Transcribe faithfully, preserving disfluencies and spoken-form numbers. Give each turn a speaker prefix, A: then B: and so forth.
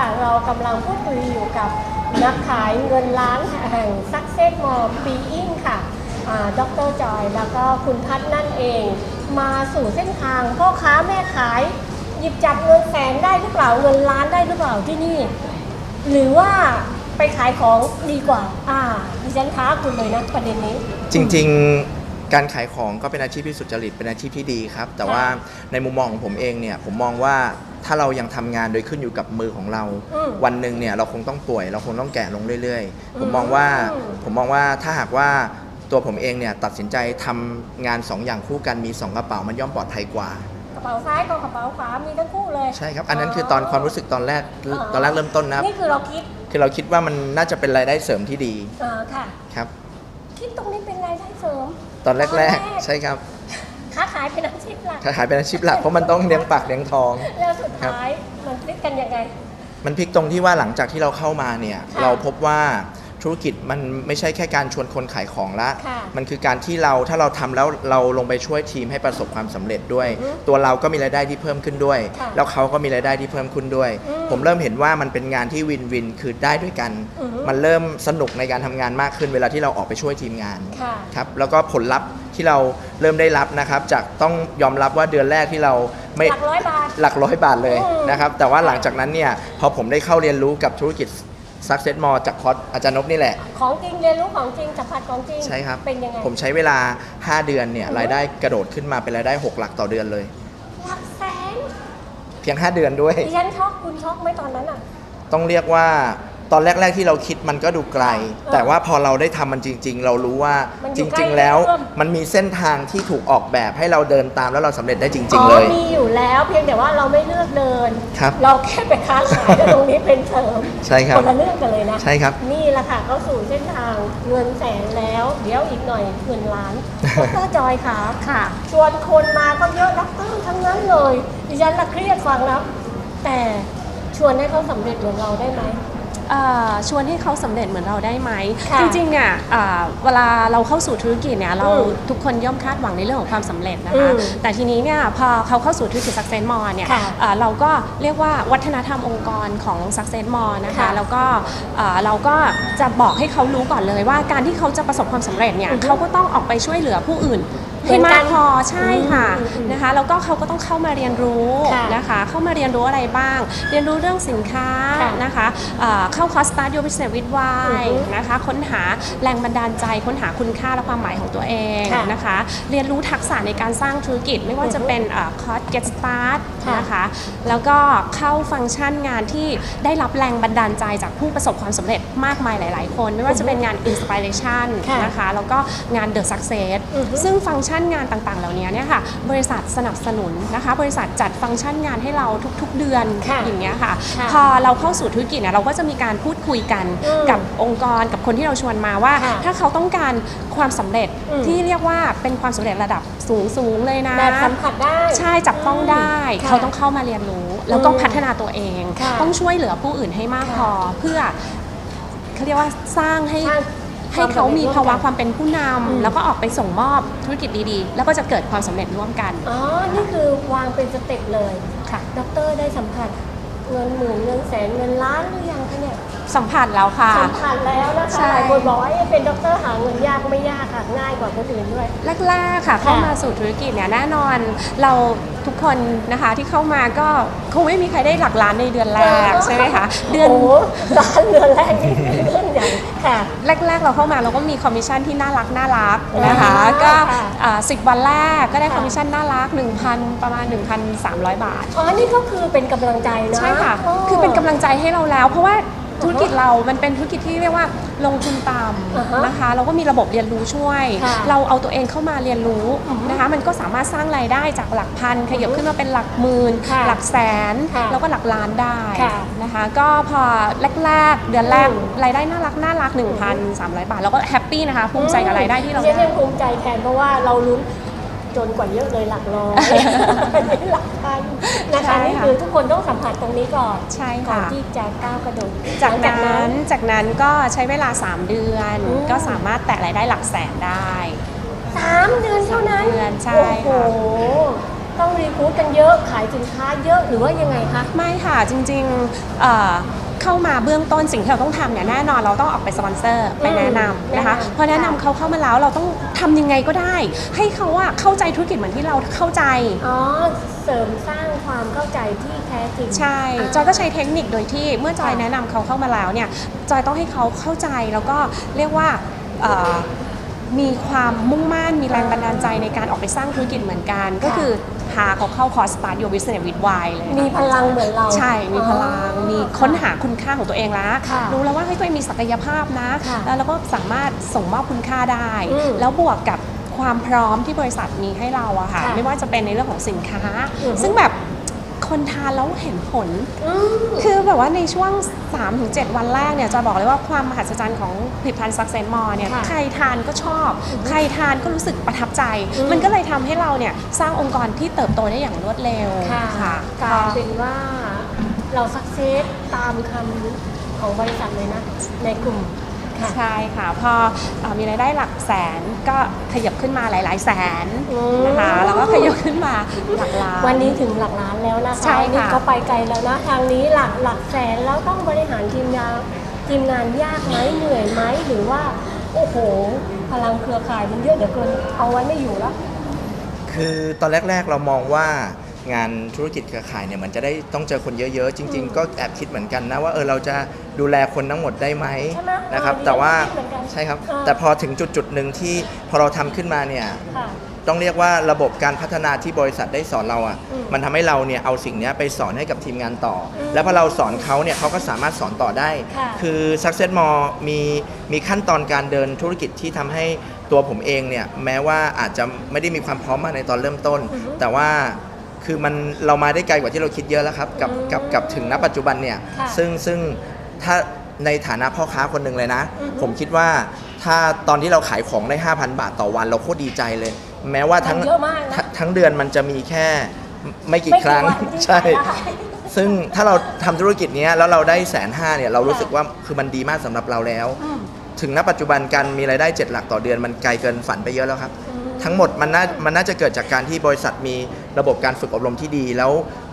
A: เรากำลังพูดคุยอยู่กับนักขายเงินล้านแห่ง Success Mall Being ค่ะดร.จอยแล้วก็คุณพัฒน์นั่นเองมาสู่เส้นทางพ่อค้าแม่ขายหยิบจับเงินแสนได้หรือเปล่าเงินล้านได้หรือเปล่าที่นี่หรือว่าไปขายของดีกว่าอ่าดิฉันท้าคุณเลยนะประเด็นนี้
B: จริงๆการขายของก็เป็นอาชีพที่สุจริตเป็นอาชีพที่ดีครับแต่ว่าในมุมมองของผมเองเนี่ยผมมองว่าถ้าเรายังทำงานโดยขึ้นอยู่กับมือของเราวันหนึ่งเนี่ยเราคงต้องป่วยเราคงต้องแก่ลงเรื่อยๆผมมองว่าผมมองว่าถ้าหากว่าตัวผมเองเนี่ยตัดสินใจทำงานสองอย่างคู่กันมีสองกระเป๋ามันย่อมปลอดภัยกว่าก
A: ระเป๋าซ้ายกับกระเป๋าขวามีทั้งคู่เลย
B: ใช่ครับอันนั้นคือตอนความรู้สึกตอนแรกตอนแรกเริ่มต้นนะ
A: นี่คือเราคิด
B: คือเราคิดว่ามันน่าจะเป็นรายได้เสริมที่ดี
A: อ่าค่ะ
B: ครับ
A: คิดตรงนี้เป็นรายได้เสริม
B: ตอนแรกๆใช่ครับ
A: ค้าขายเป็นอาชีพหลัก
B: ค้าขายเป็นอาชีพหลักเพราะมันต้องเลี้ยงปากเลี้ยงท้อง
A: แล้วสุดท้ายมันพลิกกันยังไง
B: มันพลิกตรงที่ว่าหลังจากที่เราเข้ามาเนี่ยเราพบว่าธุรกิจมันไม่ใช่แค่การชวนคนขายของละมันคือการที่เราถ้าเราทำแล้วเราลงไปช่วยทีมให้ประสบความสำเร็จด้วยตัวเราก็มีรายได้ที่เพิ่มขึ้นด้วยแล้วเขาก็มีรายได้ที่เพิ่มขึ้นด้วยผมเริ่มเห็นว่ามันเป็นงานที่วินวินคือได้ด้วยกันมันเริ่มสนุกในการทำงานมากขึ้นเวลาที่เราออกไปช่วยทีมงานครับแล้วก็ผลลัพธ์ที่เราเริ่มได้รับนะครับจากต้องยอมรับว่าเดือนแรกที่เรา
A: ไม่หลักร้อยบาท
B: หลักร้อยบาทเลยนะครับแต่ว่าหลังจากนั้นเนี่ยพอผมได้เข้าเรียนรู้กับธุรกิจSuccess Mall จากคอร์สอาจารย์นพนี่แหละ
A: ของจริงเรียนรู้ของจริงสัมผัสของจริง
B: ใช่ครับ
A: เป็นยังไง
B: ผมใช้เวลาห้าเดือนเนี่ยรายได้กระโดดขึ้นมาเป็นรายได้หกหลักต่อเดือนเลย
A: หลักแสน
B: เพียงห้าเดือนด้วย
A: ดิฉันช็อกคุณช็อกไหมตอนนั้นอ่ะ
B: ต้องเรียกว่าตอนแรกๆที่เราคิดมันก็ดูไกลแต่ว่าพอเราได้ทำมันจริงๆเรารู้ว่าจริงๆแล้วมันมีเส้นทางที่ถูกออกแบบให้เราเดินตามแล้วเราสำเร็จได้จริงๆเลย
A: มีอยู่แล้วเพียงแต่ว่าเราไม่เลือกเดิน
B: ครับ
A: เราแค่ไปค้าขายตรงนี้เป็นเสริม
B: ใช่ครับ
A: คนละเรื่องกันเลยนะ
B: ใช่ครับ
A: นี่แหละค่ะเขาสู่เส้นทางเงินแสนแล้วเดี๋ยวอีกหน่อยเงินล้านดร.จอยค่ะค่ะชวนคนมาก็เยอะดร.ทั้งนั้นเลยดิฉันละเครียดฟังแล้วแต่ชวนให้เขาสำเร็จเหมือนเราได้ไหม
C: ชวนให้เขาสำเร็จเหมือนเราได้ไหมจริงๆเนี่ยเวลาเราเข้าสู่ธุรกิจเนี่ยเราทุกคนย่อมคาดหวังในเรื่องของความสำเร็จนะคะแต่ทีนี้เนี่ยพอเขาเข้าสู่ธุรกิจ Success Mall เนี่ยเราก็เรียกว่าวัฒนธรรมองค์กรของ Success Mall นะคะแล้วก็เราก็จะบอกให้เขารู้ก่อนเลยว่าการที่เขาจะประสบความสำเร็จเนี่ยเขาก็ต้องออกไปช่วยเหลือผู้อื่นให้มากพอใช่ค่ะนะคะแล้วก็เขาก็ต้องเข้ามาเรียนรู้นะคะเข้ามาเรียนรู้อะไรบ้างเรียนรู้เรื่องสินค้านะคะเข้าคอร์ส Start Your Business with Why นะคะค้นหาแรงบันดาลใจค้นหาคุณค่าและความหมายของตัวเองนะคะเรียนรู้ทักษะในการสร้างธุรกิจไม่ว่าจะเป็นคอร์ส Get Start นะคะแล้วก็เข้าฟังก์ชันงานที่ได้รับแรงบันดาลใจจากผู้ประสบความสำเร็จมากมายหลายๆคนไม่ว่าจะเป็นงาน Inspiration นะคะแล้วก็งาน The Success ซึ่งฟังก์ชันงานต่างๆเหล่านี้เนี่ยค่ะบริษัทสนับสนุนนะคะบริษัทจัดฟังก์ชันงานให้เราทุกๆเดือนอย่างเงี้ยค่ะพอเราเข้าสู่ธุรกิจเนี่ยเราก็จะมีการพูดคุยกันกับองค์กรกับคนที่เราชวนมาว่าถ้าเขาต้องการความสำเร็จที่เรียกว่าเป็นความสำเร็จระดับสูงๆเลยนะ
A: แบบสัมผัสได้
C: ใช่จับต้องได้เขาต้องเข้ามาเรียนรู้แล้วก็พัฒนาตัวเองต้องช่วยเหลือผู้อื่นให้มากพอเพื่อเขาเรียกว่าสร้างให้ให้เขามีภาวะความเป็นผู้นำแล้วก็ออกไปส่งมอบธุรกิจดีๆแล้วก็จะเกิดความสำเร็จร่วมกัน
A: อ๋อนี่คือวางเป็นสเต็ปเลยค่ะดร.ได้สัมผัสเงินหมื่นเงินแสนเงินล้านหรือยังคะเนี่ย
C: สัมผัสแล้วค่ะ
A: สัมผัสแล้วนะคะหลายคนบอกว่าเป็นด็อกเตอร์หาเงินยากไม่ยากค่ะง่ายกว่าคนอื่นด้วย
C: แรกๆค่ะเข้ามาสู่ธุรกิจเนี่ยแน่นอนเราทุกคนนะคะที่เข้ามาก็คงไม่มีใครได้หลักล้านในเดือนแรกใช่ไหมคะ
A: เดือนล้านเดือนแรกนี่เรื่องใหญ่ค่ะ
C: แรกๆเราเข้ามาเราก็มีคอมมิชชั่นที่น่ารักน่ารักนะคะก็สิบวันแรกก็ได้คอมมิชชั่นน่ารัก หนึ่งพัน ประมาณ หนึ่งพันสามร้อย บาท
A: อ๋อนี่ก็คือเป็นกำลังใจนะ
C: ใช่ค่ะคือเป็นกำลังใจให้เราแล้วเพราะว่าธุรกิจเรามันเป็นธุรกิจที่เรียกว่าลงทุนต่ำนะคะเราก็มีระบบเรียนรู้ช่วยเราเอาตัวเองเข้ามาเรียนรู้นะคะมันก็สามารถสร้างรายได้จากหลักพันขยับขึ้นมาเป็นหลักหมื่นหลักแสนแล้วก็หลักล้านได้นะคะก็พอแรกๆเดือนแรกรายได้น่ารักน่ารัก หนึ่งพันสามร้อย บาทเราก็แฮปปี้นะคะภูมิใจกับรายได้ที่เรา
A: ได้ภูมิใจแทนเพราะว่าเราลุ้นจนกว่าเยอะเลยหลักร้อยหลักพันนะคะนี่คือทุกคนต้องสัมผัสตรงนี้ก่อน
C: ใช่
A: ค่ะ
C: ก่อน
A: ที่จะก้าวกระโดด
C: จากนั้นจากนั้นก็ใช้เวลาสามเดือนก็สามารถแตะรายได้หลักแสนได้
A: สามเดือนเท่านั้น
C: ใช่ค่ะ
A: ต้องรีคูดกันเยอะขายสินค้าเยอะหรือว่ายังไงคะ
C: ไม่ค่ะจริงๆเอ่อเข้ามาเบื้องต้นสิ่งที่เราต้องทำเนี่ยแน่นอนเราต้องออกไปสปอนเซอร์ไปแนะนำนะคะพอแนะนำเขาเข้ามาแล้วเราต้องทำยังไงก็ได้ให้เขาอะเข้าใจธุรกิจเหมือนที่เราเข้าใจ
A: อ๋อเสริมสร้างความเข้าใจที่แท้จริง
C: ใช่จอยก็ใช้เทคนิคโดยที่เมื่อจอยแนะนำเขาเข้ามาแล้วเนี่ยจอยต้องให้เขาเข้าใจแล้วก็เรียกว่ามีความมุ่งมั่นมีแรงบันดาลใจในการออกไปสร้างธุรกิจเหมือนกันก็คือพาเขาเข้าคอร์ส Start Your Business with Why เลย
A: มีพลังเหมือนเรา
C: ใช่มีพลังมีค้นหาคุณค่าของตัวเองแล้วรู้แล้วว่าให้ตัวเองมีศักยภาพนะแล้วเราก็สามารถส่งมอบคุณค่าได้แล้วบวกกับความพร้อมที่บริษัทมีให้เราอะค่ะไม่ว่าจะเป็นในเรื่องของสินค้าซึ่งแบบคนทานแล้วเห็นผลคือแบบว่าในช่วง สามถึงเจ็ด วันแรกเนี่ยจะบอกเลยว่าความมหัศจรรย์ของผลิตภัณฑ์ Success More เนี่ยใครทานก็ชอบใครทานก็รู้สึกประทับใจมันก็เลยทำให้เราเนี่ยสร้างองค์กรที่เติบโตได้อย่างรวดเร็ว
A: ค่ะกลายเป็นว่าเราสักเซสตามคำของบริษัทเลยนะในกลุ่ม
C: ใช่ค่ะพอมีรายได้หลักแสนก็ขยับขึ้นมาหลายๆแสนนะคะแล้วก็ขยับขึ้นมาหลักล้าน
A: วันนี้ถึงหลักล้านแล้วนะคะใช่ค่ะก็ไปไกลแล้วนะทางนี้หลักหลักแสนแล้วต้องบริหารทีมงานทีมงานยากไหมเหนื่อยไหมหรือว่าโอ้โหพลังเครือข่ายมันเยอะเดี๋ยวเกินเอาไว้ไม่อยู่แล้ว
B: คือตอนแรกๆเรามองว่างานธุรกิจเครือข่ายเนี่ยมันจะได้ต้องเจอคนเยอะๆจริงๆก็แอบคิดเหมือนกันนะว่าเออเราจะดูแลคนทั้งหมดได้ไหมนะครับแต่ว่าใช่ครับแต่พอถึงจุดจุดหนึ่งที่พอเราทำขึ้นมาเนี่ยต้องเรียกว่าระบบการพัฒนาที่บริษัทได้สอนเราอ่ะมันทำให้เราเนี่ยเอาสิ่งนี้ไปสอนให้กับทีมงานต่อแล้วพอเราสอนเขาเนี่ยเขาก็สามารถสอนต่อได้คือ Success More มีมีขั้นตอนการเดินธุรกิจที่ทำให้ตัวผมเองเนี่ยแม้ว่าอาจจะไม่ได้มีความพร้อมมาในตอนเริ่มต้นแต่ว่าคือมันเรามาได้ไกลกว่าที่เราคิดเยอะแล้วครับกับกับกับถึงณปัจจุบันเนี่ยซึ่งซึ่งถ้าในฐานะพ่อค้าคนหนึ่งเลยนะผมคิดว่าถ้าตอนที่เราขายของได้ ห้าพัน บาทต่อวันเราโคตรดีใจเลยแม้ว่าทั้งทั้งเดือนมันจะมีแค่ไม่กี่ครั้งใช่ซึ่งถ้าเราทำธุรกิจนี้แล้วเราได้แสนห้าเนี่ยเรารู้สึกว่าคือมันดีมากสำหรับเราแล้วถึงณปัจจุบันการมีรายได้เจ็ดหลักต่อเดือนมันไกลเกินฝันไปเยอะแล้วครับทั้งหมดมันน่ามันน่าจะเกิดจากการที่บริษัทมีระบบการฝึกอบรมที่ดีแล้ว